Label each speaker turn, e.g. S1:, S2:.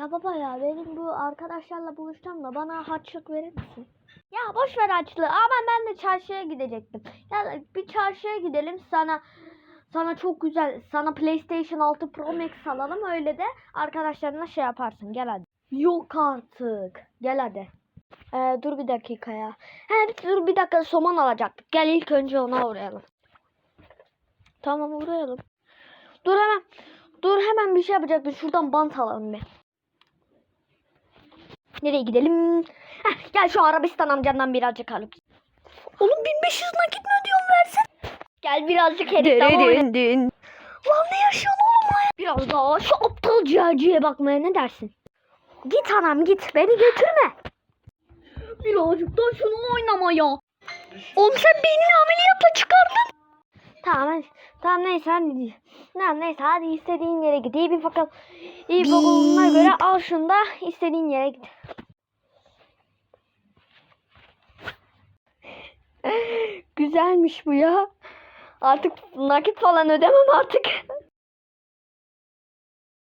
S1: Ya baba ya benim bu arkadaşlarla buluşacağım da bana harçlık verir misin? Ya boş ver harçlığı. Ama ben de çarşıya gidecektim. Ya bir çarşıya gidelim sana çok güzel sana PlayStation 6 Pro Max alalım öyle de arkadaşlarına şey yaparsın. Gel hadi. Yok artık. Gel hadi. Dur bir dakika ya. Dur bir dakika soman alacaktık. Gel ilk önce ona uğrayalım. Tamam uğrayalım. Dur hemen bir şey yapacaktım. Şuradan bant alalım bir. Nereye gidelim? Gel şu Arabistan amcandan birazcık alıp. Oğlum 1500 nakit mi ödüyorsun versen? Gel birazcık heriften oynayalım. Lan ne yaşıyorsun oğlum ya? Biraz daha şu aptal ciğerciye bakmaya ne dersin? Git anam git beni götürme. Birazcık daha şunu oynama ya. Oğlum sen beynini ameliyatla çıkardın. Tamam neyse hadi. Neyse hadi istediğin yere git. İyi bir bakalım. İyi bakalımına göre al şunu da istediğin yere git. Güzelmiş bu ya. Artık nakit falan ödemem artık.